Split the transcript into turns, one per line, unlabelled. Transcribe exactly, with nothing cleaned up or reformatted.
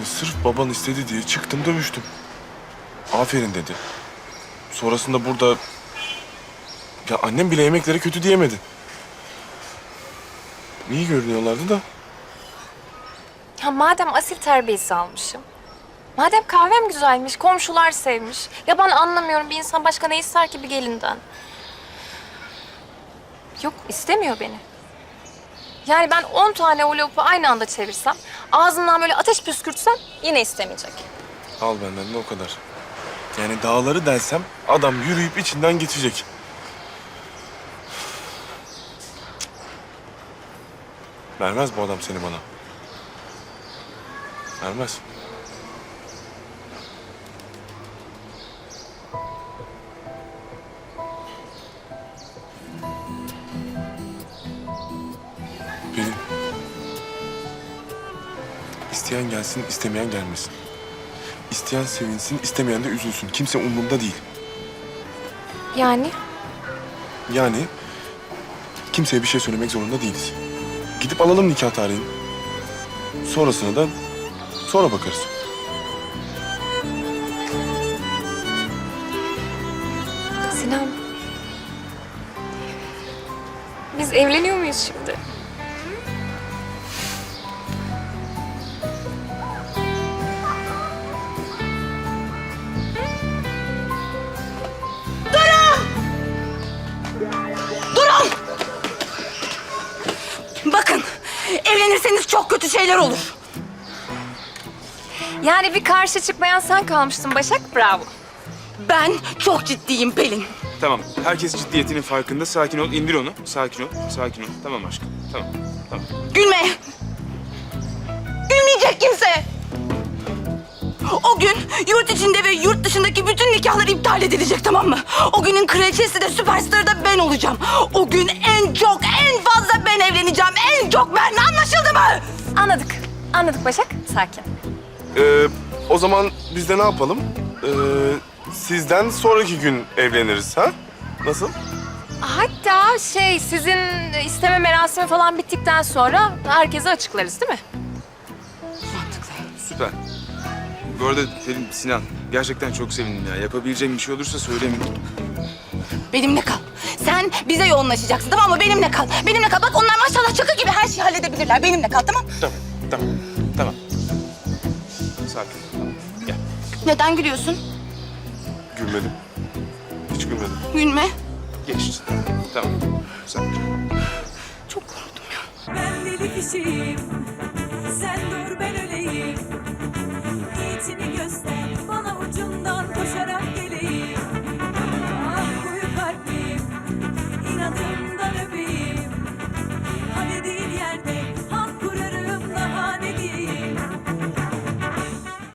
Yani sırf baban istedi diye çıktım dövüştüm. Aferin dedi. Sonrasında burada... Ya annem bile yemeklere kötü diyemedi. İyi görünüyorlardı da.
Ya madem asil terbiyesi almışım, madem kahvem güzelmiş, komşular sevmiş. Ya ben anlamıyorum, bir insan başka ne ister ki bir gelinden? Yok, istemiyor beni. Yani ben on tane o lopu aynı anda çevirsem, ağzından böyle ateş püskürtsem yine istemeyecek.
Al benden de o kadar. Yani dağları delsem adam yürüyüp içinden geçecek. Vermez bu adam seni bana. Vermez. Pelin. İsteyen gelsin, istemeyen gelmesin. İsteyen sevinsin, istemeyen de üzülsün. Kimse umurumda değil.
Yani?
Yani kimseye bir şey söylemek zorunda değiliz. Gidip alalım nikah tarihini. Sonrasına da sonra bakarız.
Sinan, biz evleniyor muyuz şimdi?
Bakın, evlenirseniz çok kötü şeyler olur.
Yani bir karşı çıkmayan sen kalmıştın Başak, bravo.
Ben çok ciddiyim Pelin.
Tamam. Herkes ciddiyetinin farkında. Sakin ol. İndir onu. Sakin ol. Sakin ol. Tamam aşkım. Tamam. Tamam.
Gülme. Gülmeyecek kimse. O gün yurt içinde ve yurt dışındaki bütün nikahlar iptal edilecek, tamam mı? O günün kraliçesi de süperstarı da ben olacağım. O gün en çok, en fazla ben evleneceğim. En çok ben. Anlaşıldı mı?
Anladık, anladık Başak, sakin.
Ee, o zaman biz de ne yapalım? Ee, sizden sonraki gün evleniriz ha? Nasıl?
Hatta şey, sizin isteme merasimi falan bittikten sonra herkese açıklarız değil mi?
Süper. Bu arada Pelin, Sinan, gerçekten çok sevindim ya. Yapabileceğim bir şey olursa söylemeyin.
Benimle kal. Sen bize yoğunlaşacaksın, tamam mı? Benimle kal. Benimle kal. Bak onlar maşallah çakı gibi her şeyi halledebilirler. Benimle kal, tamam?
Tamam. Tamam. Tamam. Sakin ol. Tamam. Gel.
Neden gülüyorsun?
Gülmedim. Hiç gülmedim.
Gülme.
Geçti. Tamam. Sakin ol.
Çok korktum ya.
Ben deli kişiyim, sen dur ben öleyim.